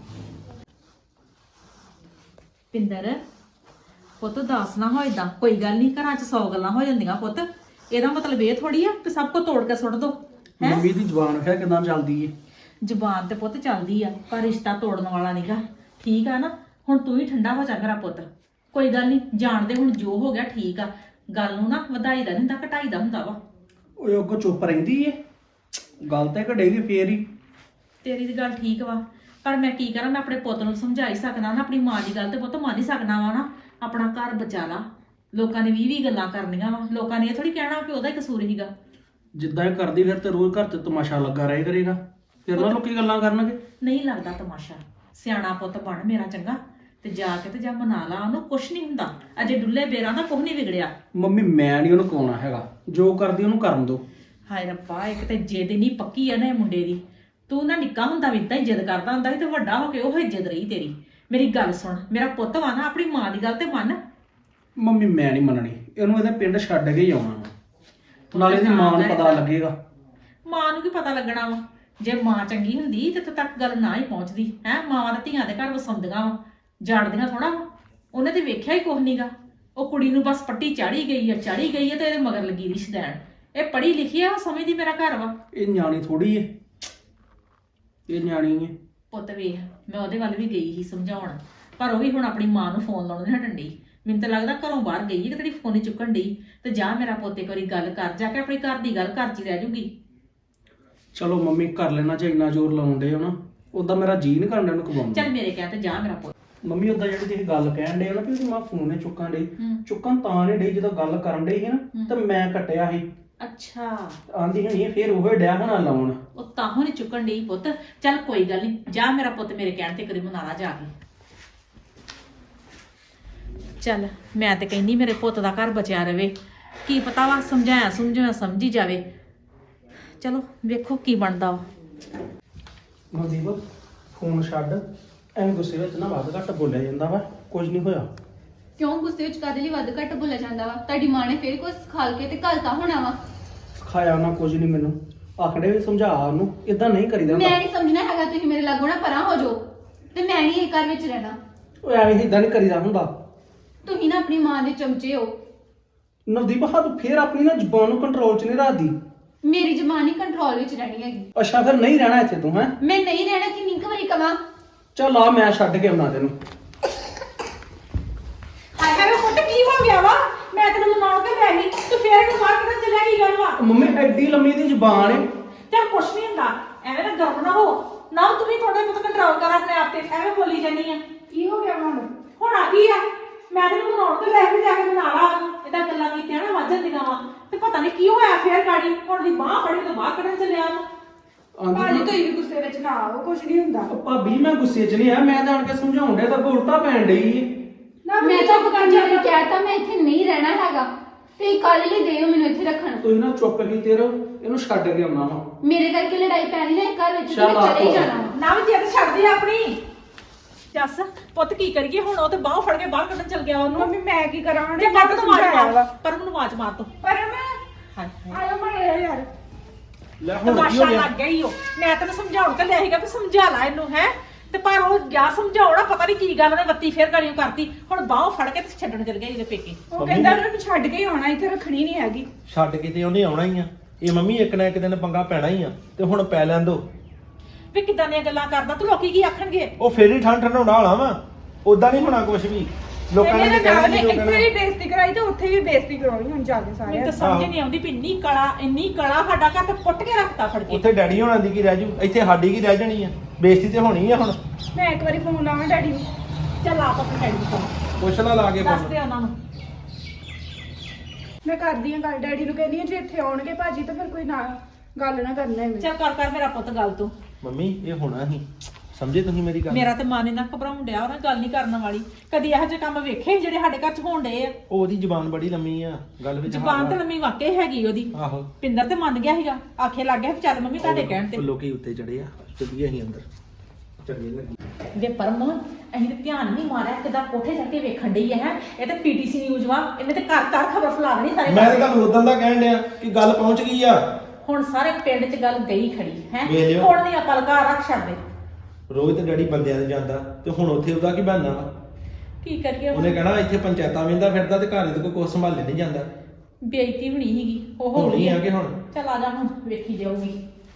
[SPEAKER 3] ਪਿੰਦਰ ਪੁੱਤ ਦੱਸ ਨਾ ਹੋ ਏਦਾਂ, ਕੋਈ ਗੱਲ ਨਹੀਂ, ਘਰਾਂ 'ਚ 100 ਗੱਲਾਂ ਹੋ ਜਾਂਦੀਆਂ ਪੁੱਤ। ਇਹਦਾ ਮਤਲਬ ਇਹ ਥੋੜੀ ਆ ਕਿ ਸਭ ਕੁਝ ਤੋੜ ਕੇ ਸੁੱਟ ਦੋ ਹੈ।
[SPEAKER 4] ਮੰਮੀ ਦੀ ਜ਼ੁਬਾਨ ਹੈ ਕਿਦਾਂ ਚੱਲਦੀ ਏ।
[SPEAKER 3] ਜ਼ੁਬਾਨ ਤੇ ਪੁੱਤ ਚੱਲਦੀ ਆ, ਪਰ ਰਿਸ਼ਤਾ ਤੋੜਨ ਵਾਲਾ ਨਹੀਂਗਾ, ਠੀਕ ਆ ਨਾ। ਹੁਣ ਤੂੰ ਹੀ ਠੰਡਾ ਹੋ ਜਾ ਮੇਰਾ ਪੁੱਤ। ਕੋਈ ਗੱਲ ਨਹੀਂ, ਜਾਣਦੇ ਹੁਣ ਜੋ ਹੋ ਗਿਆ ਠੀਕ ਆ। ਗੱਲ ਨੂੰ ਨਾ ਵਧਾਈ ਦਾ ਨਹੀਂ ਹੁੰਦਾ, ਘਟਾਈ ਦਾ ਹੁੰਦਾ ਵਾ।
[SPEAKER 4] ਓਏ ਅੱਗੋਂ ਚੁੱਪ ਰਹਿੰਦੀ ਏ, ਗੱਲ ਤੇ ਘੜੇਗੀ ਫੇਰ ਹੀ।
[SPEAKER 3] ਤੇਰੀ ਦੀ ਗੱਲ ਠੀਕ ਵਾ, ਪਰ ਮੈਂ ਕੀ ਕਰਾਂ। ਮੈਂ ਆਪਣੇ ਪੁੱਤ ਨੂੰ ਸਮਝਾ ਹੀ ਸਕਦਾ ਨਾ, ਆਪਣੀ ਮਾਂ ਦੀ ਗੱਲ ਤੇ ਪੁੱਤ ਮੰਨ ਹੀ ਸਕਦਾ ਵਾ ਨਾ। ਆਪਣਾ ਘਰ ਬਚਾ ਲਾ। ਲੋਕਾਂ ਨੇ 20 ਗੱਲਾਂ ਕਰਨੀਆਂ ਵਾ, ਲੋਕਾਂ ਨੇ ਇਹ ਥੋੜੀ ਕਹਿਣਾ ਕਿ ਉਹਦਾ ਹੀ ਕਸੂਰ ਹੀਗਾ।
[SPEAKER 4] ਜਿੱਦਾਂ ਇਹ ਕਰਦੀ ਫਿਰ ਤੇ ਰੋਜ਼ ਘਰ ਤੇ ਤਮਾਸ਼ਾ ਲੱਗਾ ਰਹੇ ਕਰੇਗਾ, ਫਿਰ ਨਾ ਲੋਕੀ ਗੱਲਾਂ ਕਰਨਗੇ।
[SPEAKER 3] ਨਹੀਂ ਲੱਗਦਾ ਤਮਾਸ਼ਾ। ਸਿਆਣਾ ਪੁੱਤ ਬਣ ਮੇਰਾ ਚੰਗਾ, ਤੇ ਜਾ ਕੇ ਤੇ ਜਾ ਮਨਾ ਲਾ ਉਹਨੂੰ। ਕੁਛ ਨਹੀਂ ਹੁੰਦਾ, ਅਜੇ ਡੁੱਲੇ ਬੇਰਾਂ ਦਾ ਕੁਛ ਨਹੀਂ ਵਿਗੜਿਆ।
[SPEAKER 4] ਮੰਮੀ ਮੈਂ ਨਹੀਂ ਉਹਨੂੰ ਕਹਾਉਣਾ ਹੈਗਾ, ਜੋ ਕਰਦੀ ਉਹਨੂੰ ਕਰਨ ਦੋ।
[SPEAKER 3] ਹਾਏ ਰੱਬਾ, ਇੱਕ ਤੇ ਜਿੱਦ ਨਹੀਂ ਪੱਕੀ ਆ ਨਾ ਇਹ ਮੁੰਡੇ ਦੀ। ਤੂੰ ਨਾ ਨਿੱਕਾ ਹੁੰਦਾ ਵੀ ਇਦਾਂ ਹੀ ਜਿੱਦ ਕਰਦਾ ਹੁੰਦਾ ਸੀ, ਤੇ ਵੱਡਾ ਹੋ ਕੇ ਉਹ ਇੱਜ਼ਤ ਰਹੀ ਤੇਰੀ। ਮੇਰੀ ਗੱਲ ਸੁਣ, ਮੇਰਾ ਪੁੱਤ ਵਾ ਨਾ, ਆਪਣੀ ਮਾਂ ਦੀ ਗੱਲ ਤੇ ਮੰਨ।
[SPEAKER 4] ਮੰਮੀ ਮੈਂ ਨਹੀਂ ਮੰਨਣੀ, ਇਹਨੂੰ ਇਹਦੇ ਪਿੰਡ ਛੱਡ ਕੇ ਹੀ ਆਉਣਾ ਵਾ। ਨਾਲੇ ਇਹਦੀ ਮਾਂ ਨੂੰ ਪਤਾ ਲੱਗੇਗਾ।
[SPEAKER 3] ਮਾਂ ਨੂੰ ਕੀ ਪਤਾ ਲੱਗਣਾ ਵਾ? ਜੇ ਮਾਂ ਚੰਗੀ ਹੁੰਦੀ ਤੇ ਤੱਕ ਗੱਲ ਨਾ ਹੀ ਪਹੁੰਚਦੀ ਹੈ। ਮਾਵਾਂ ਤਾਂ ਧੀਆਂ ਦੇ ਘਰ ਵਸਾਉਂਦੀਆਂ ਵਾ, ਜਾਣਦੀਆਂ ਥੋੜਾ ਵਾ। ਉਹਨੇ ਤੇ ਵੇਖਿਆ ਹੀ ਕੁਛ ਨੀਗਾ। ਉਹ ਕੁੜੀ ਨੂੰ ਬਸ ਪੱਟੀ ਚਾੜੀ ਗਈ ਆ ਤੇ ਇਹਦੇ ਮਗਰ ਲੱਗੀ ਰਿਸ਼ਤੇਦਾਰ। ਇਹ ਪੜ੍ਹੀ ਲਿਖੀ ਆ, ਉਹ ਸਮਝਦੀ ਮੇਰਾ ਘਰ ਵਾ।
[SPEAKER 4] ਇਹ ਨਿਆਣੀ ਥੋੜੀ ਏ, ਇਹ ਨਿਆਣੀ ਏ।
[SPEAKER 3] ਪੁੱਤ ਵੇਖ, ਮੈਂ ਉਹਦੇ ਵੱਲ ਵੀ ਗਈ ਸੀ ਸਮਝਾਉਣ, ਪਰ ਉਹ ਵੀ ਹੁਣ ਆਪਣੀ ਮਾਂ ਨੂੰ ਫੋਨ ਲਾਉਣ ਨਹੀਂ ਹਟਣ ਡਈ। ਮੈਨੂੰ ਤਾਂ ਲੱਗਦਾ ਘਰੋਂ ਬਾਹਰ ਗਈ ਹੈ ਕਿ ਤੇਰੀ ਫੋਨ ਹੀ ਚੁੱਕਣ ਡਈ। ਤੇ ਜਾ ਮੇਰਾ ਪੁੱਤ ਇੱਕ ਵਾਰੀ ਗੱਲ ਕਰ, ਜਾ ਕੇ ਆਪਣੀ ਘਰ ਦੀ ਗੱਲ ਘਰ 'ਚ ਹੀ ਰਹਿ ਜੂਗੀ।
[SPEAKER 4] ਚਲੋ ਮੰਮੀ ਕਰ ਲੈਣਾ, ਜੇ ਇੰਨਾ ਜ਼ੋਰ ਲਾਉਂਦੇ ਹੋ ਨਾ। ਉਦਾਂ ਮੇਰਾ ਜੀ ਨਹੀਂ ਕਰਨ ਨੂੰ ਕਵਾਉਂਦਾ।
[SPEAKER 3] ਚੱਲ ਮੇਰੇ ਕਹਿ ਤੇ ਜਾ ਮੇਰਾ ਪੁੱਤ।
[SPEAKER 4] ਮੰਮੀ ਉਦਾਂ ਜਿਹੜੀ ਤੁਸੀਂ ਗੱਲ ਕਹਿਣ ਡੇ ਹੋ ਨਾ ਕਿ ਉਹਦੀ ਮਾਂ ਫੋਨ ਨੇ ਚੁੱਕਣ ਡਈ, ਚੁੱਕਣ ਤਾਂ ਨਹੀਂ ਡਈ ਜਦੋਂ ਗੱਲ ਕਰਨ ਡਈ ਸੀ ਨਾ, ਤੇ ਮੈਂ ਕੱਟਿਆ ਸੀ।
[SPEAKER 3] ਅੱਛਾ,
[SPEAKER 4] ਆਂਦੀ ਹਣੀ ਫੇਰ ਉਹ ਡਿਆ ਹੋਣਾ ਲਾਉਣ।
[SPEAKER 3] ਉਹ ਤਾਹੋਂ ਨੀ ਚੁੱਕਣ ਡਈ ਪੁੱਤ। ਚੱਲ ਕੋਈ ਗੱਲ ਨਹੀਂ, ਜਾ ਮੇਰਾ ਪੁੱਤ ਮੇਰੇ ਕਹਿਣ ਤੇ ਕਦੇ ਮਨਾ ਲਾ ਜਾ ਕੇ। ਚੱਲ ਮੈਂ ਤੇ ਕਹਿੰਦੀ ਮੇਰੇ ਪੁੱਤ ਦਾ ਘਰ ਬਚਿਆ ਰਵੇ। ਕੀ ਪਤਾ ਵਾ ਸਮਝਾਇਆ ਸਮਝੀ ਜਾਵੇ। ਚਲੋ ਵੇਖੋ ਕੀ ਬਣਦਾ ਵਾ।
[SPEAKER 4] ਮਨਦੀਪ ਫੋਨ ਛੱਡ, ਐਵੇਂ ਗੁੱਸੇ ਵਿੱਚ ਨਾ ਵੱਧ ਘੱਟ ਬੋਲਿਆ ਜਾਂਦਾ ਵਾ, ਕੁਝ ਨਹੀਂ ਹੋਇਆ।
[SPEAKER 1] ਕਿਉਂ ਗੁੱਸੇ ਵਿੱਚ ਕਾਹਦੇ ਲਈ ਵੱਧ ਘੱਟ ਬੋਲਿਆ ਜਾਂਦਾ ਵਾ? ਤੁਹਾਡੀ ਮਾਂ ਨੇ ਫੇਰ ਕੁਝ ਖਾਲ ਕੇ ਤੇ ਘਲਤਾ ਹੋਣਾ ਵਾ।
[SPEAKER 4] ਖਾਇਆ ਨਾ ਕੁਝ ਨਹੀਂ, ਮੈਨੂੰ ਆਖੜੇ ਵੀ ਸਮਝਾ ਉਹਨੂੰ, ਇਦਾਂ ਨਹੀਂ ਕਰੀਦਾ
[SPEAKER 1] ਮੈਂ
[SPEAKER 4] ਹੁੰਦਾ।
[SPEAKER 1] ਨਹੀਂ ਸਮਝਣਾ ਹੈਗਾ, ਤੁਸੀਂ ਮੇਰੇ ਲਾਗੋਂ ਨਾ ਪਰਾਂ ਹੋ ਜਾਓ ਤੇ ਮੈਂ ਨਹੀਂ ਇਹ ਘਰ ਵਿੱਚ ਰਹਿਣਾ।
[SPEAKER 4] ਉਹ ਐਵੇਂ ਇਦਾਂ ਨਹੀਂ ਕਰੀਦਾ ਹੁੰਦਾ।
[SPEAKER 1] ਤੁਸੀਂ ਨਾ ਆਪਣੀ ਮਾਂ ਦੇ ਚਮਚੇ ਹੋ।
[SPEAKER 4] ਨਵਦੀਪ ਹੱਥ ਫੇਰ ਆਪਣੀ ਨਾ ਜ਼ੁਬਾਨ ਨੂੰ ਕੰਟਰੋਲ 'ਚ ਨਹੀਂ ਰੱਖਦੀ।
[SPEAKER 1] ਮੇਰੀ ਜ਼ਬਾਨ ਹੀ ਕੰਟਰੋਲ ਵਿੱਚ ਰਹਿਣੀ ਹੈਗੀ।
[SPEAKER 4] ਅੱਛਾ ਫਿਰ ਨਹੀਂ ਰਹਿਣਾ ਇੱਥੇ ਤੂੰ, ਹੈ?
[SPEAKER 1] ਮੈਂ ਨਹੀਂ ਰਹਿਣਾ, ਕਿੰਨੀ ਕੁ ਵਾਰੀ ਕਵਾਂ?
[SPEAKER 4] ਚੱਲ ਆ ਮੈਂ ਛੱਡ ਕੇ ਆਉਣਾ ਤੈਨੂੰ।
[SPEAKER 3] ਹਾਏ ਹਾਏ ਪੁੱਤ, ਕੀ ਹੋ ਗਿਆ ਵਾ? ਮੈਂ ਤੈਨੂੰ ਮਨਾਉਣ ਤੇ ਲੈ ਗਈ, ਤੂੰ ਫੇਰ ਨੂੰ ਬਾਹਰ ਕਿੱਦਾਂ ਚੱਲਿਆ? ਕੀ ਗੱਲ ਵਾ?
[SPEAKER 4] ਮੰਮੀ ਐਡੀ ਲੰਮੀ ਦੀ ਜ਼ੁਬਾਨ ਏ।
[SPEAKER 3] ਚੱਲ ਕੁਛ ਨਹੀਂ ਹੁੰਦਾ, ਐਵੇਂ ਨਾ ਗਰਮ ਨਾ ਹੋ ਨਾ। ਤੂੰ ਵੀ ਥੋੜਾ ਬਹੁਤ ਕੰਟਰੋਲ ਕਰ ਆਪਣੇ ਆਪ ਤੇ, ਐਵੇਂ ਬੋਲੀ ਜਾਨੀ ਆ।
[SPEAKER 2] ਕੀ ਹੋ ਗਿਆ ਹੁਣ?
[SPEAKER 3] ਹੁਣ ਆ ਗਈ ਆ, ਮੈਂ ਤੈਨੂੰ ਮਨਾਉਣ ਤੇ ਲੈ ਕੇ ਜਾ ਕੇ ਮਨਾ ਲਾ ਉਹਨੂੰ। ਏਦਾਂ ਗੱਲਾਂ ਕੀਤੀਆਂ ਨਾ ਵੱਧ ਜਾਂਦੀਆਂ ਵਾ, ਤੇ ਪਤਾ ਨਹੀਂ ਕੀ ਹੋਇਆ ਫੇਰ ਗਾੜੀ। ਹੁਣ ਦੀ ਬਾਹ ਫੜੀ ਤੇ ਬਾਹਰ ਕੱਢਣ ਚੱਲਿਆ ਉਹਨੂੰ।
[SPEAKER 2] ਭਾਜੀ ਤੁਸੀਂ ਵੀ ਗੁੱਸੇ ਵਿੱਚ ਨਾ ਆਓ, ਕੁਝ ਨਹੀਂ ਹੁੰਦਾ।
[SPEAKER 4] ਭਾਬੀ ਮੈਂ ਗੁੱਸੇ 'ਚ ਨਹੀਂ ਆ, ਮੈਂ ਤਾਂ ਆਣ ਕੇ ਸਮਝਾਉਣ ਡਿਆ, ਤਾਂ ਉਲਟਾ ਪੈਣ ਡਈ ਏ।
[SPEAKER 2] ਨਾ
[SPEAKER 1] ਮੈਂ ਚੁੱਪ ਕਰ ਜਾ ਕੇ ਕਹਿਤਾ ਮੈਂ ਇੱਥੇ ਨਹੀਂ ਰਹਿਣਾ ਹੈਗਾ ਤੇ ਕੱਲ ਲਈ ਦੇਓ ਮੈਨੂੰ ਇੱਥੇ ਰੱਖਣ।
[SPEAKER 4] ਤੁਸੀਂ ਨਾ ਚੁੱਪ ਕੀਤੇ ਰਹੋ, ਇਹਨੂੰ ਛੱਡ ਕੇ ਆਉਣਾ ਵਾ।
[SPEAKER 1] ਮੇਰੇ ਕਰਕੇ ਲੜਾਈ ਪੈਣੀ ਨਾ ਘਰ ਵਿੱਚ, ਤੇ
[SPEAKER 4] ਚੱਲ
[SPEAKER 1] ਮੈਂ ਚਲੇ ਹੀ
[SPEAKER 4] ਆ
[SPEAKER 1] ਜਾਣਾ ਵਾ।
[SPEAKER 3] ਨਾ ਵੀ ਜਿੱਦ ਛੱਡਦੀ ਆਪਣੀ। ਜੱਸ ਪੁੱਤ ਕੀ ਕਰੀਏ ਹੁਣ? ਉਹ ਤੇ ਬਾਹ ਫੜ ਕੇ ਬਾਹਰ ਕੱਢਣ ਚੱਲ ਗਿਆ ਉਹਨੂੰ।
[SPEAKER 2] ਮੰਮੀ ਮੈਂ ਕੀ ਕਰਾਂ ਹੁਣ?
[SPEAKER 3] ਤੇ ਪਰਮ ਨੂੰ ਆਵਾਜ਼ ਮਾਰ, ਪਰਮ ਨੂੰ ਆਵਾਜ਼ ਮਾਰ ਤੂੰ।
[SPEAKER 2] ਪਰ ਮੈਂ
[SPEAKER 3] ਹਾਏ
[SPEAKER 2] ਆਇਆ ਮਾਰਿਆ ਯਾਰ।
[SPEAKER 4] ਲੈ ਹੁਣ ਕੀ
[SPEAKER 3] ਤਮਾਸ਼ਾ
[SPEAKER 4] ਹੋ ਗਿਆ?
[SPEAKER 3] ਲੱਗ ਗਿਆ ਈ ਉਹ। ਮੈਂ ਤੈਨੂੰ ਸਮਝਾਉਣ ਤੇ ਲਿਆ ਸੀਗਾ ਵੀ ਸਮਝਾ ਲੈ ਇਹਨੂੰ, ਹੈ ਤੇ ਪਰ ਉਹ ਗਿਆ ਸਮਝਾਉਣਾ, ਪਤਾ ਨਹੀਂ ਕੀ ਗੱਲ ਉਹਨੇ ਬੱਤੀ ਫੇਰ ਗਲੀਆਂ ਕਰਤੀ। ਹੁਣ ਬਾਹੋਂ ਫੜ ਕੇ ਤੇ ਛੱਡਣ ਚਲ ਗਿਆ ਇਹਦੇ ਪੇਕੇ।
[SPEAKER 2] ਉਹ ਕਹਿੰਦਾ ਉਹਨੂੰ ਛੱਡ ਕੇ ਹੀ ਆਉਣਾ, ਇੱਥੇ ਰੱਖਣੀ ਨਹੀਂ ਹੈਗੀ।
[SPEAKER 5] ਛੱਡ ਕੇ ਤੇ ਉਹਨੇ ਆਉਣਾ ਹੀ ਆ। ਇਹ ਮੰਮੀ ਇੱਕ ਨਾ ਇੱਕ ਦਿਨ ਪੰਗਾ ਪੈਣਾ ਹੀ ਆ, ਤੇ ਹੁਣ ਪੈ ਲੈਣ ਦੋ।
[SPEAKER 3] ਵੀ ਕਿੱਦਾਂ ਦੀਆਂ ਗੱਲਾਂ ਕਰਦਾ ਤੂੰ, ਲੋਕੀ ਕੀ ਆਖਣਗੇ?
[SPEAKER 5] ਉਹ ਫੇਰ ਹੀ ਠੰਡ ਠੰਡਾਉਣਾ ਵਾਲਾ ਵਾ, ਉਦਾਂ ਨਹੀਂ ਹੋਣਾ ਕੁਝ ਵੀ। ਲੋਕਾਂ ਨੇ
[SPEAKER 2] ਇਹਨੇ
[SPEAKER 5] ਕਹਿਣਾ
[SPEAKER 2] ਨਾਲ
[SPEAKER 5] ਕੀ
[SPEAKER 2] ਇੱਥੇ ਵੀ ਬੇਇੱਜ਼ਤੀ ਕਰਾਈ ਤੇ ਉੱਥੇ ਵੀ ਬੇਇੱਜ਼ਤੀ ਕਰਾਉਣੀ ਹੁਣ ਜਾ ਕੇ
[SPEAKER 3] ਮੈਨੂੰ
[SPEAKER 2] ਸਾਰਿਆਂ
[SPEAKER 3] ਤਾਂ
[SPEAKER 2] ਦੀ।
[SPEAKER 3] ਸਮਝ ਨਹੀਂ ਆਉਂਦੀ ਵੀ ਇੰਨੀ ਕਲਾ ਸਾਡਾ ਘਰ ਤੇ ਪੁੱਟ ਕੇ ਰੱਖਤਾ ਫੜ ਕੇ।
[SPEAKER 5] ਉੱਥੇ ਡੈਡੀ ਹੋਣਾ ਦੀ ਕੀ ਰਹਿ ਜੂ, ਇੱਥੇ ਸਾਡੀ ਕੀ ਰਹਿ ਜਾਣੀ ਆ? ਬੇਇੱਜ਼ਤੀ ਤੇ ਹੋਣੀ ਆ ਹੁਣ।
[SPEAKER 2] ਮੈਂ ਇੱਕ ਵਾਰੀ ਫੋਨ ਲਾਵਾਂ ਡੈਡੀ ਨੂੰ।
[SPEAKER 3] ਚੱਲ ਆਪ ਆਪਣੇ ਡੈਡੀ ਨੂੰ ਫੋਨ
[SPEAKER 5] ਪੁੱਛ ਲਾ ਕੇ
[SPEAKER 3] ਦੱਸ
[SPEAKER 5] ਫੋਨ।
[SPEAKER 3] ਦੇ ਉਹਨਾਂ ਨੂੰ।
[SPEAKER 2] ਮੈਂ ਕਰਦੀ ਹਾਂ ਗੱਲ ਡੈਡੀ ਨੂੰ, ਕਹਿੰਦੀ ਹਾਂ ਜੇ ਇੱਥੇ ਆਉਣਗੇ ਭਾਜੀ ਤਾਂ ਫਿਰ ਕੋਈ ਨਾ ਗੱਲ ਨਾ ਕਰਨਾ ਐਵੇਂ।
[SPEAKER 3] ਚੱਲ ਕਰ ਮੇਰਾ ਪੁੱਤ ਗੱਲ ਤੂੰ।
[SPEAKER 5] ਮੰਮੀ ਇਹ ਹੋਣਾ ਹੀ, ਸਮਝੇ ਤੁਸੀਂ ਮੇਰੀ ਗੱਲ?
[SPEAKER 3] ਮੇਰਾ ਤੇ ਮਨ ਇਹਨਾਂ ਘਬਰਾਉਣ ਡਿਆ, ਉਹਨਾਂ ਗੱਲ ਨਹੀਂ ਕਰਨ ਵਾਲੀ। ਕਦੀ ਇਹੋ ਜਿਹੇ ਕੰਮ ਵੇਖੇ ਜਿਹੜੇ ਸਾਡੇ ਘਰ ਚ ਹੋਣ ਡਏ ਆ?
[SPEAKER 5] ਉਹ ਉਹਦੀ ਜ਼ੁਬਾਨ ਬੜੀ ਲੰਮੀ ਆ, ਗੱਲ ਵਿੱਚ
[SPEAKER 3] ਜ਼ਬਾਨ ਤੇ ਲੰਮੀ ਵਾਕਈ ਹੈਗੀ ਉਹਦੀ।
[SPEAKER 5] ਆਹੋ
[SPEAKER 3] ਪਿੰਦਰ ਤੇ ਮੰਨ ਗਿਆ ਸੀਗਾ, ਆਖੇ ਲੱਗ ਗਿਆ ਵੀ ਚੱਲ ਮੰਮੀ ਤੁਹਾਡੇ ਕਹਿਣ ਤੇ।
[SPEAKER 5] ਲੋਕੀ ਉੱਤੇ ਚੜੇ ਆ, ਚੱਲੀਏ ਅਸੀਂ ਅੰਦਰ। ਚੱਲੀਏ ਲੱਗੀ
[SPEAKER 3] ਵੇ ਪਰਮ, ਅਸੀਂ ਤੇ ਧਿਆਨ ਨਹੀਂ ਮਾਰਿਆ, ਕਿਦਾਂ ਕੋਠੇ ਜਾ ਕੇ ਵੇਖਣ ਡਈ ਹੈ। ਇਹ ਤੇ ਪੀਟੀਸੀ ਨਿਊਜ਼ ਵਾ, ਇਹਨੇ ਤੇ ਘਰ ਘਰ ਖਬਰ ਫੈਲਾ ਦੇਣੀ ਸਾਰੇ
[SPEAKER 5] ਮੈਂ ਤਾਂ
[SPEAKER 3] ਪਾਸੇ।
[SPEAKER 5] ਤੁਹਾਨੂੰ ਉਦੋਂ ਦਾ ਕਹਿਣ ਡਿਆ ਕਿ ਗੱਲ ਪਹੁੰਚ ਗਈ ਆ।
[SPEAKER 3] ਹੁਣ ਸਾਰੇ ਪਿੰਡ 'ਚ ਗੱਲ ਗਈ ਖੜੀ ਹੈ।
[SPEAKER 5] ਵੇਖ ਲਿਓ।
[SPEAKER 3] ਹੁਣ ਨਹੀਂ ਆਪਾਂ ਲਗਾ ਰੱਖ ਛੱਡਦੇ।
[SPEAKER 5] ਰੋਜ਼ ਤੇ ਡੈਡੀ ਬੰਦਿਆਂ ਦੇ ਜਾਂਦਾ, ਤੇ ਹੁਣ ਉੱਥੇ ਉਹਦਾ ਕੀ ਬਹਾਨਾ ਵਾ?
[SPEAKER 3] ਕੀ ਕਰੀਏ ਹੁਣ?
[SPEAKER 5] ਉਹਨੇ ਕਹਿਣਾ ਇੱਥੇ ਪੰਚਾਇਤਾਂ ਵੇਂਦਾ ਫਿਰਦਾ ਤੇ ਘਰ ਦੇ ਕੋਈ ਸੰਭਾਲੇ ਨਹੀਂ ਜਾਂਦਾ।
[SPEAKER 3] ਬੇਇੱਜ਼ਤੀ ਹੋਣੀ ਸੀਗੀ, ਉਹ ਹੋ
[SPEAKER 5] ਹੋਣੀ
[SPEAKER 3] ਗਈ
[SPEAKER 5] ਆ ਕਿ ਹੁਣ?
[SPEAKER 3] ਚੱਲ ਆ ਜਾ ਹੁਣ ਵੇਖੀ ਜਾਊਗੀ।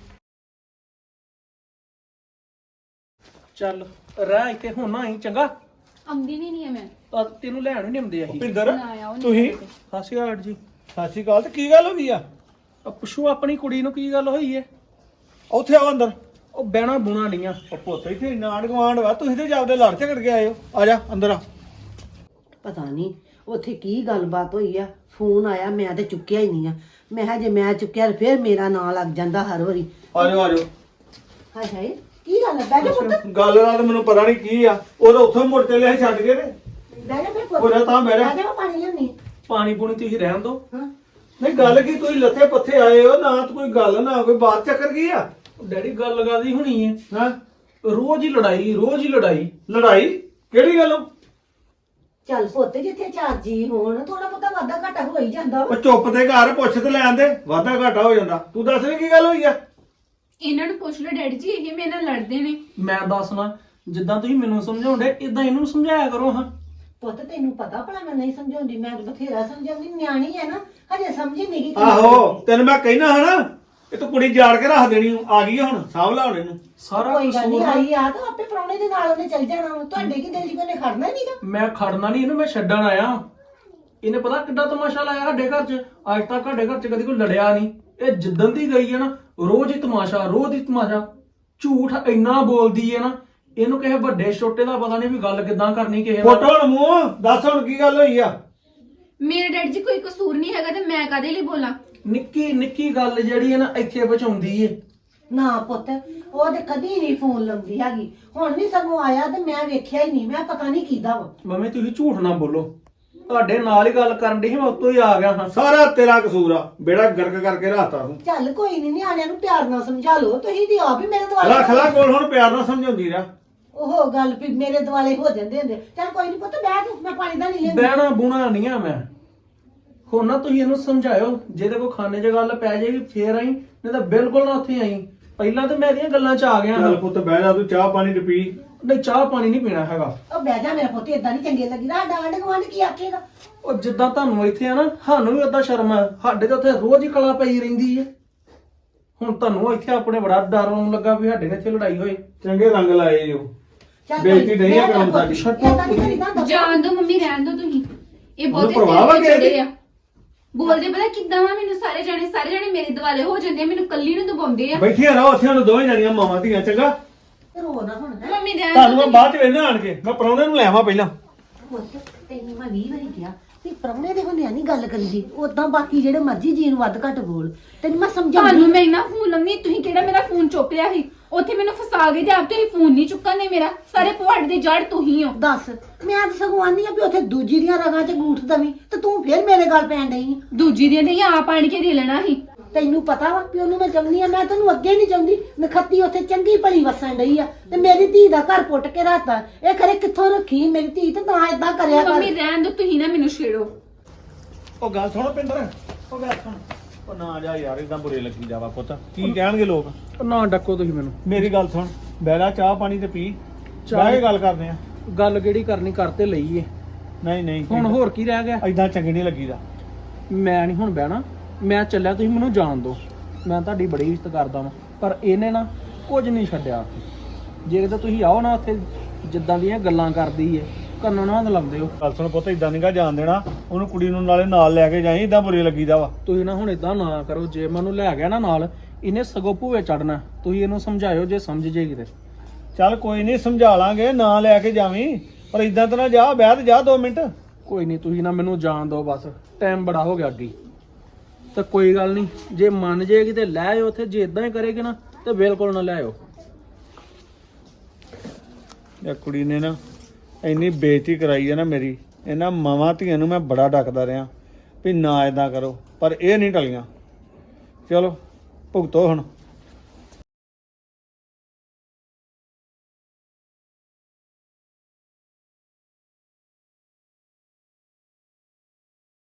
[SPEAKER 4] ਚੱਲ ਰਹਿ ਇੱਥੇ ਹੁਣ ਨਾ ਆਈ ਚੰਗਾ।
[SPEAKER 1] ਆਉਂਦੀ ਨਹੀਂ ਹੈ ਮੈਂ।
[SPEAKER 4] ਤਾਂ ਤੈਨੂੰ ਲੈਣ ਵੀ ਨਹੀਂ ਆਉਂਦੇ ਅਸੀਂ।
[SPEAKER 5] ਭਿੰਦਰ
[SPEAKER 1] ਨਾ ਆਇਆ ਉਹ
[SPEAKER 5] ਤੁਸੀਂ
[SPEAKER 1] ਨਹੀਂ
[SPEAKER 4] ਸਤਿ ਸ਼੍ਰੀ ਅਕਾਲ ਜੀ।
[SPEAKER 5] ਸਤਿ ਸ਼੍ਰੀ ਅਕਾਲ। ਤੇ ਕੀ ਗੱਲ ਹੋ ਗਈ ਆ?
[SPEAKER 4] ਪੁੱਛੋ ਆਪਣੀ ਕੁੜੀ ਨੂੰ ਕੀ ਗੱਲ ਹੋਈ ਹੈ।
[SPEAKER 5] ਉੱਥੇ ਆਓ ਅੰਦਰ।
[SPEAKER 4] ਉਹ ਬਹਿਣਾ ਬੁਣਾ ਲੀਆਂ।
[SPEAKER 5] ਉਹ ਪੁੱਤ ਇੱਥੇ ਇੰਨਾ ਆਂਢ ਗੁਆਂਢ ਵਾ, ਤੁਸੀਂ ਤੇ ਜਾਂਦੇ ਲੜ ਝਗੜ ਕੇ ਆਏ ਹੋ। ਆ ਜਾ ਅੰਦਰ ਆ।
[SPEAKER 6] ਪਤਾ ਨਹੀਂ ਉੱਥੇ ਕੀ ਗੱਲਬਾਤ ਹੋਈ ਆ। ਫੋਨ ਆਇਆ, ਮੈਂ ਤੇ ਚੁੱਕਿਆ ਹੀ ਨਹੀਂ ਆ। ਮੈਂ ਕਿਹਾ ਜੇ ਮੈਂ ਚੁੱਕਿਆ ਤਾਂ ਫਿਰ ਮੇਰਾ ਨਾਂ ਲੱਗ ਜਾਂਦਾ ਹਰ ਵਾਰੀ।
[SPEAKER 5] ਆ ਜਾਓ ਆ ਜਾਓ।
[SPEAKER 6] ਹਾਏ ਹਾਏ ਕੀ ਗੱਲ ਹੈ? ਬਹਿ ਜਾ ਪੁੱਤ,
[SPEAKER 5] ਗੱਲ ਨਾਲ ਤਾਂ ਮੈਨੂੰ ਪਤਾ ਨਹੀਂ ਕੀ ਆ। ਉਹ ਤਾਂ ਉੱਥੋਂ ਮੁੜ ਚੱਲੇ ਅਸੀਂ ਛੱਡ ਕੇ ਨੇ।
[SPEAKER 6] ਬਹਿ ਜਾ ਮੇਰੇ ਪੁੱਤ।
[SPEAKER 5] ਹੋ ਜਾ ਤਾਂ ਬਹਿ ਜਾ।
[SPEAKER 6] ਬਹਿ ਜਾ, ਮੈਂ ਪਾਣੀ ਲਿਆਉਣੀ।
[SPEAKER 4] ਪਾਣੀ ਪੂਣੀ ਤੁਸੀਂ ਰਹਿਣ ਦਿਓ।
[SPEAKER 6] ਹਾਂ
[SPEAKER 5] ਨਹੀਂ ਗੱਲ ਕੀ, ਤੁਸੀਂ ਲੱਥੇ ਪੱਥੇ ਆਏ ਹੋ ਨਾ, ਤਾਂ ਕੋਈ ਗੱਲ ਨਾ ਕੋਈ ਬਾਤ ਚੱਕਰ ਕੀ ਆ?
[SPEAKER 4] ਡੈਡੀ ਗੱਲ ਲਗਾਦੀ ਹੋਣੀ ਹੈ।
[SPEAKER 5] ਹਾਂ
[SPEAKER 4] ਰੋਜ਼ ਹੀ ਲੜਾਈ, ਰੋਜ਼ ਹੀ ਲੜਾਈ।
[SPEAKER 5] ਲੜਾਈ ਕਿਹੜੀ ਗੱਲੋਂ?
[SPEAKER 6] ਚੱਲ ਪੁੱਤ, ਜਿੱਥੇ ਚਾਰ ਜੀ ਹੋਣ ਥੋੜਾ ਬਹੁਤਾ ਵਾਧਾ ਘਾਟਾ ਹੋ ਹੀ ਜਾਂਦਾ ਵਾ।
[SPEAKER 5] ਉਹ ਚੁੱਪ ਤੇ ਘਰ ਪੁੱਛ ਤੇ ਲੈਣ ਦੇ, ਵਾਧਾ ਘਾਟਾ ਹੋ ਜਾਂਦਾ। ਤੂੰ ਦੱਸ ਵੀ ਕੀ ਗੱਲ ਹੋਈ ਆ?
[SPEAKER 1] ਇਹਨਾਂ ਨੂੰ ਪੁੱਛ ਲਓ ਡੈਡੀ ਜੀ, ਇਹ ਮੇਰੇ ਨਾਲ ਲੜਦੇ ਨੇ।
[SPEAKER 4] ਮੈਂ ਦੱਸਣਾ, ਜਿੱਦਾਂ ਤੁਸੀਂ ਮੈਨੂੰ ਸਮਝਾਉਂਦੇ ਇਦਾਂ ਇਹਨੂੰ ਸਮਝਾਇਆ ਕਰੋ। ਹਾਂ
[SPEAKER 6] ਪੁੱਤ ਤੈਨੂੰ ਪਤਾ ਭਲਾ ਮੈਂ ਨਹੀਂ ਸਮਝਾਉਂਦੀ, ਮੈਂ ਤਾਂ ਬਥੇਰਾ ਸਮਝਾਉਂਦੀ। ਨਿਆਣੀ ਹੈ ਨਾ, ਹਜੇ ਸਮਝੀ ਨਹੀਂ ਗਈ।
[SPEAKER 5] ਆਹੋ ਤੈਨੂੰ ਮੈਂ ਕਹਿਣਾ ਹਨਾ, ਇਹ ਤਾਂ ਕੁੜੀ ਜਾੜ ਕੇ ਰੱਖ ਦੇਣੀ। ਆ ਗਈ ਆ ਹੁਣ, ਸਾਂਭ ਲਾ ਹੁਣ ਇਹਨੂੰ।
[SPEAKER 4] ਸਾਰਾ
[SPEAKER 6] ਕੋਈ ਗੱਲ ਨਹੀਂ,
[SPEAKER 4] ਕਸੂਰ ਨਾ-
[SPEAKER 6] ਆਈ ਆ ਤਾਂ ਆਪੇ ਪ੍ਰਾਹੁਣੇ ਦੇ ਨਾਲ ਉਹਨੇ ਚੱਲ ਜਾਣਾ ਵਾ। ਤੁਹਾਡੇ ਕੀ ਦਿਲ 'ਚ ਉਹਨੇ ਖੜਨਾ ਨਹੀਂਗਾ।
[SPEAKER 4] ਮੈਂ ਖੜਨਾ ਨਹੀਂ ਇਹਨੂੰ, ਮੈਂ ਛੱਡਣ ਆਇਆ। ਇਹਨੇ ਪਤਾ ਕਿੱਡਾ ਤਮਾਸ਼ਾ ਲਾਇਆ ਸਾਡੇ ਘਰ 'ਚ। ਅੱਜ ਤੱਕ ਸਾਡੇ ਘਰ 'ਚ ਕਦੀ ਕੋਈ ਲੜਿਆ ਨਹੀਂ। ਇਹ ਜਿੱਦਣ ਦੀ ਗਈ ਹੈ ਨਾ, ਰੋਜ਼ ਹੀ ਤਮਾਸ਼ਾ, ਰੋਜ਼ ਹੀ ਤਮਾਸ਼ਾ। ਝੂਠ ਇੰਨਾ ਬੋਲਦੀ ਹੈ ਨਾ, ਇਹਨੂੰ ਕਿਸੇ ਵੱਡੇ ਛੋਟੇ ਦਾ ਪਤਾ ਨਹੀਂ ਵੀ ਗੱਲ ਕਿੱਦਾਂ ਕਰਨੀ ਕਿਸੇ ਨਾਲ।
[SPEAKER 5] ਫੋਟੋ ਹੁਣ ਮੂੰਹ ਦੱਸ ਹੁਣ ਕੀ ਗੱਲ ਹੋਈ ਆ?
[SPEAKER 1] ਮੇਰੇ ਡੈਡੀ ਜੀ ਕੋਈ ਕਸੂਰ ਨਹੀਂ ਹੈਗਾ ਤੇ ਮੈਂ ਕਾਹਦੇ ਲਈ ਬੋਲਾਂ?
[SPEAKER 4] ਨਿੱਕੀ ਨਿੱਕੀ ਗੱਲ ਜਿਹੜੀ ਹੈ ਨਾ ਇੱਥੇ ਪਹੁੰਚਾਉਂਦੀ ਏ।
[SPEAKER 6] ਨਾ ਪੁੱਤ, ਉਹ ਤੇ ਕਦੀ ਨਹੀਂ ਫੋਨ ਲਾਉਂਦੀ ਹੈਗੀ। ਹੁਣ ਵੀ ਸਗੋਂ ਆਇਆ ਤੇ ਮੈਂ ਵੇਖਿਆ ਹੀ ਨਹੀਂ। ਮੈਂ ਪਤਾ ਨਹੀਂ ਕਿਹਦਾ ਵਾ।
[SPEAKER 4] ਮੰਮੀ ਤੁਸੀਂ ਝੂਠ ਨਾ ਬੋਲੋ, ਤੁਹਾਡੇ ਨਾਲ ਹੀ ਗੱਲ ਕਰਨ ਦੀ ਸੀ, ਮੈਂ ਉੱਤੋਂ ਹੀ ਆ ਗਿਆ ਹਾਂ।
[SPEAKER 5] ਸਾਰਾ ਤੇਰਾ ਕਸੂਰ ਆ, ਬੇੜਾ ਗਰਕ ਕਰਕੇ ਰਾਤਾ ਤੂੰ।
[SPEAKER 6] ਚੱਲ ਕੋਈ ਨਹੀਂ, ਨਿਆਣਿਆਂ ਨੂੰ ਪਿਆਰ ਨਾਲ ਸਮਝਾ ਲਓ। ਤੁਸੀਂ ਤੇ ਆਪ ਹੀ ਮੇਰੇ
[SPEAKER 5] ਰੱਖ ਲੈ
[SPEAKER 6] ਦੁਆਲੇ
[SPEAKER 5] ਕੋਲ, ਹੁਣ ਪਿਆਰ ਨਾਲ ਸਮਝਾਉਂਦੀ ਰਿਹਾ।
[SPEAKER 6] ਉਹ ਗੱਲ ਵੀ ਮੇਰੇ ਦੁਆਲੇ ਹੋ ਜਾਂਦੇ ਹੁੰਦੇ। ਚੱਲ ਕੋਈ ਨਹੀਂ ਪੁੱਤ, ਬਹਿ ਤੂੰ, ਮੈਂ ਪਾਣੀ ਦਾ ਨਹੀਂ ਲੈਂਦੀ।
[SPEAKER 4] ਬਹਿਣਾ ਬੁਣਾ ਨਹੀਂ ਆ ਮੈਂ। ਹੁਣ ਨਾ ਤੁਸੀਂ ਇਹਨੂੰ ਸਮਝਾਇਓ, ਜਿਹਦੇ ਕੋ ਖਾਣੇ 'ਚ ਗੱਲ ਪੈ ਜਾਏਗੀ ਫੇਰ ਆਈ, ਨਹੀਂ ਤਾਂ ਬਿਲਕੁਲ ਨਾ ਉੱਥੇ ਆਈ। ਪਹਿਲਾਂ ਤਾਂ ਮੈਂ ਇਹਦੀਆਂ ਗੱਲਾਂ 'ਚ ਆ ਗਿਆ ਹਾਂ।
[SPEAKER 5] ਚੱਲ ਪੁੱਤ ਬਹਿ ਜਾ, ਤੂੰ ਚਾਹ ਪਾਣੀ ਤੇ ਪੀ।
[SPEAKER 4] ਨਹੀਂ ਚਾਹ ਪਾਣੀ ਨਹੀਂ ਪੀਣਾ ਹੈਗਾ।
[SPEAKER 6] ਉਹ ਬਹਿ ਜਾ ਮੇਰਾ ਪੁੱਤ, ਏਦਾਂ ਨਹੀਂ ਚੰਗੇ ਲੱਗੀ। ਸਾਡਾ ਆਂਢ ਗੁਆਂਢ ਕੀ ਆਖੇਗਾ?
[SPEAKER 4] ਉਹ ਜਿੱਦਾਂ ਤੁਹਾਨੂੰ ਇੱਥੇ ਆ ਨਾ, ਸਾਨੂੰ ਵੀ ਓਦਾਂ ਸ਼ਰਮ ਆ। ਸਾਡੇ ਤਾਂ ਉੱਥੇ ਰੋਜ਼ ਹੀ ਕਲਾ ਪਈ ਰਹਿੰਦੀ ਹੈ। ਹੁਣ ਤੁਹਾਨੂੰ ਇੱਥੇ ਆਪਣੇ ਬੜਾ ਡਰ ਆਉਣ ਲੱਗਾ ਵੀ ਸਾਡੇ ਨਾਲ ਇੱਥੇ ਲੜਾਈ ਹੋਏ।
[SPEAKER 5] ਚੰਗੇ ਰੰਗ ਲਾਏ ਜੋ।
[SPEAKER 6] ਚੱਲ
[SPEAKER 5] ਬੇਇੱਜ਼ਤੀ ਨਹੀਂ ਆ
[SPEAKER 6] ਬਹਿ ਜਾ
[SPEAKER 5] ਕਰਨ
[SPEAKER 6] ਪੁੱਤ,
[SPEAKER 5] ਸਾਡੀ।
[SPEAKER 6] ਏਦਾਂ ਨਹੀਂ ਕਰੀਦਾ ਹੁੰਦਾ।
[SPEAKER 1] ਜਾਣ ਦੋ ਮੰਮੀ, ਰਹਿਣ ਦੋ ਤੁਸੀਂ। ਇਹ
[SPEAKER 5] ਉਹਨੂੰ
[SPEAKER 1] ਬਹੁਤੇ
[SPEAKER 5] ਪਰਵਾਹ ਵਾ
[SPEAKER 1] ਸਿਰ ਤੇ
[SPEAKER 5] ਕਿਸੇ ਦੀ?
[SPEAKER 1] ਚੜ੍ਹੇ ਆ। ਬੋਲਦੇ ਪਤਾ ਕਿੱਦਾਂ ਵਾ ਮੈਨੂੰ, ਸਾਰੇ ਜਾਣੇ ਮੇਰੇ ਦੁਆਲੇ ਹੋ ਜਾਂਦੇ ਆ, ਮੈਨੂੰ ਕੱਲੀ ਨੂੰ ਦਬਾਉਂਦੇ ਆ।
[SPEAKER 5] ਬੈਠੀਆਂ ਰਹੋ ਉੱਥੇ, ਹੁਣ ਦੋਵੇਂ ਜਣੀਆਂ ਮਾਵਾਂ ਧੀਆਂ। ਚੰਗਾ
[SPEAKER 6] ਰੋ ਨਾ ਹੁਣ ਹੈਂ।
[SPEAKER 1] ਮੰਮੀ ਰਹਿਣ
[SPEAKER 5] ਤੁਹਾਨੂੰ
[SPEAKER 1] ਦੋ
[SPEAKER 5] ਮੈਂ ਬਾਅਦ ਚ ਵੇਖਣਾ ਆਣ ਕੇ। ਮੈਂ ਪ੍ਰਾਹੁਣੇ ਨੂੰ ਲੈ ਆਵਾਂ ਪਹਿਲਾਂ।
[SPEAKER 6] ਪੁੱਤ ਤੈਨੂੰ ਮੈਂ 20 ਵਾਰੀ ਕਿਹਾ ਵੀ ਪ੍ਰਾਹੁਣੇ ਦੇ ਹੁੰਦਿਆਂ ਨਹੀਂ ਗੱਲ ਕਰੀਦੀ। ਉਦਾਂ ਬਾਕੀ ਜਿਹੜੇ ਮਰਜ਼ੀ ਜੀ ਨੂੰ ਵੱਧ ਘੱਟ ਬੋਲ। ਤੈਨੂੰ ਮੈਂ ਸਮਝਾਉਂਦੀ।
[SPEAKER 1] ਤੁਹਾਨੂੰ ਮੈਂ ਇੰਨਾ ਫੋਨ ਲੰਮੀ, ਤੁਸੀਂ ਕਿਹੜਾ ਮੇਰਾ ਫੋਨ ਚੁੱਕ ਲਿਆ ਸੀ? ਉੱਥੇ ਮੈਨੂੰ ਫਸਾ ਗਏ ਤੇ ਆਪ ਤੁਸੀਂ ਫੋਨ ਨਹੀਂ ਚੁੱਕਣਦੇ ਮੇਰਾ। ਸਾਰੇ ਪੁਆੜ ਦੀ ਜੜ ਤੁਸੀਂ ਹੋ।
[SPEAKER 6] ਦੱਸ, ਮੈਂ ਤਾਂ ਸਗੋਂ ਆਨੀ ਆ ਵੀ ਉੱਥੇ ਦੂਜੀ ਦੀਆਂ ਰਗਾਂ 'ਚ ਗੂਠ ਦਵੀਂ ਤੇ ਤੂੰ ਫੇਰ ਮੇਰੇ ਗੱਲ ਪੈਣ ਡਈ।
[SPEAKER 1] ਦੂਜੀ ਦੀਆਂ ਤੇ ਆਪ ਆਣ ਕੇ ਦੇ ਲੈਣਾ ਸੀ।
[SPEAKER 6] ਤੈਨੂੰ ਪਤਾ ਵਾ ਵੀ ਉਹਨੂੰ ਮੈਂ ਚਾਹੁੰਦੀ ਆ। ਮੈਂ ਤੈਨੂੰ ਅੱਗੇ ਨਹੀਂ ਚਾਹੁੰਦੀ। ਨਖੱਤੀ ਉੱਥੇ ਚੰਗੀ ਭਲੀ ਵਸਣ ਡਈ ਆ ਤੇ ਮੇਰੀ ਧੀ ਦਾ ਘਰ ਪੁੱਟ ਕੇ ਰਾਤਾ। ਇਹ ਖਰੇ ਕਿੱਥੋਂ ਰੱਖੀ ਮੇਰੀ ਧੀ ਤੇ ਨਾ ਏਦਾਂ ਕਰਿਆ ਕਰ।
[SPEAKER 1] ਮੰਮੀ ਰਹਿਣ ਦੋ, ਤੁਸੀਂ ਨਾ ਮੈਨੂੰ ਛੇੜੋ।
[SPEAKER 5] ਉਹ ਗੱਲ ਸੁਣ ਪਿੰਦਰ, ਉਹ ਗੱਲ ਸੁਣ। ਉਹ ਨਾ ਜਾ ਯਾਰ, ਇਦਾਂ ਬੁਰੇ ਲੱਗੀ ਜਾਵਾ ਪੁੱਤ। ਕੀ ਕਹਿਣਗੇ ਲੋਕ?
[SPEAKER 4] ਨਾ ਡੱਕੋ ਤੁਸੀਂ ਮੈਨੂੰ।
[SPEAKER 5] ਮੇਰੀ ਗੱਲ ਸੁਣ, ਬਹਿ ਜਾ, ਚਾਹ ਪਾਣੀ ਤੇ ਪੀ। ਬਹਿ ਕੇ ਗੱਲ ਕਰਦੇ ਆ।
[SPEAKER 4] ਗੱਲ ਕਿਹੜੀ ਕਰਨੀ ਕਰਤੇ ਲਈ ਏ।
[SPEAKER 5] ਨਹੀਂ
[SPEAKER 4] ਹੁਣ ਹੋਰ ਕੀ ਰਹਿ ਗਿਆ?
[SPEAKER 5] ਐਦਾਂ ਚੰਗੀ ਨਹੀਂ ਲੱਗੀਦਾ।
[SPEAKER 4] ਮੈਂ ਨਹੀਂ ਹੁਣ ਬਹਿਣਾ, ਮੈਂ ਚੱਲਿਆ, ਤੁਸੀਂ ਮੈਨੂੰ ਜਾਣ ਦਿਓ। ਮੈਂ ਤੁਹਾਡੀ ਬੜੀ ਇੱਜ਼ਤ ਕਰਦਾ ਵਾਂ, ਪਰ ਇਹਨੇ ਨਾ ਕੁਝ ਨਹੀਂ ਛੱਡਿਆ ਉੱਥੇ। ਜੇ ਕਿਤੇ ਤੁਸੀਂ ਆਓ ਨਾ ਉੱਥੇ ਜਿੱਦਾਂ ਦੀਆਂ ਗੱਲਾਂ ਕਰਦੀ ਏ, ਕੰਨਾਂ ਨਾਲ ਲਾਉਂਦੇ ਹੋ।
[SPEAKER 5] ਗੱਲ ਸੁਣ ਪੁੱਤ, ਇਦਾਂ ਨਹੀਂਗਾ ਜਾਣ ਦੇਣਾ ਉਹਨੂੰ। ਕੁੜੀ ਨੂੰ ਨਾਲੇ ਨਾਲ ਲੈ ਕੇ ਜਾਈ, ਇਦਾਂ ਬੁਰੇ ਲੱਗੀਦਾ ਵਾ।
[SPEAKER 4] ਤੁਸੀਂ ਨਾ ਹੁਣ ਇਦਾਂ ਨਾ ਕਰੋ। ਜੇ ਮੈਨੂੰ ਲੈ ਗਿਆ ਨਾ ਨਾਲ, ਇਹਨੇ ਸਗੋਂ ਭੂਵੇ ਚੜਨਾ। ਤੁਸੀਂ ਇਹਨੂੰ ਸਮਝਾਇਓ ਜੇ ਸਮਝ ਜੇ ਕਿਤੇ।
[SPEAKER 5] ਚੱਲ ਕੋਈ ਨਹੀਂ, ਸਮਝਾ ਲਾਂਗੇ, ਨਾ ਲੈ ਕੇ ਜਾਵੀਂ, ਪਰ ਇਦਾਂ ਤਾਂ ਨਾ ਜਾ। ਬਹਿ ਤੇ ਜਾ 2 ਮਿੰਟ।
[SPEAKER 4] ਕੋਈ ਨਹੀਂ, ਤੁਸੀਂ ਨਾ ਮੈਨੂੰ ਜਾਣ ਦਿਓ ਬਸ, ਟਾਈਮ ਬੜਾ ਹੋ ਗਿਆ ਅੱਗੇ। ਤਾਂ ਕੋਈ ਗੱਲ ਨਹੀਂ, ਜੇ ਮੰਨ ਜੇਗੀ ਤੇ ਲੈ ਆਇਓ ਉੱਥੇ, ਜੇ ਇਦਾਂ ਹੀ ਕਰੇਗੀ ਨਾ ਤੇ ਬਿਲਕੁਲ ਨਾ ਲੈ ਆਇਓ।
[SPEAKER 5] ਇਹ ਕੁੜੀ ਨੇ ਨਾ ਇੰਨੀ ਬੇਇੱਜ਼ਤੀ ਕਰਾਈ ਹੈ ਨਾ ਮੇਰੀ। ਇਹਨਾਂ ਮਾਵਾਂ ਧੀਆਂ ਨੂੰ ਮੈਂ ਬੜਾ ਡੱਕਦਾ ਰਿਹਾ ਵੀ ਨਾ ਇਦਾਂ ਕਰੋ, ਪਰ ਇਹ ਨਹੀਂ ਟਲੀਆਂ। ਚਲੋ ਭੁਗਤੋ ਹੁਣ।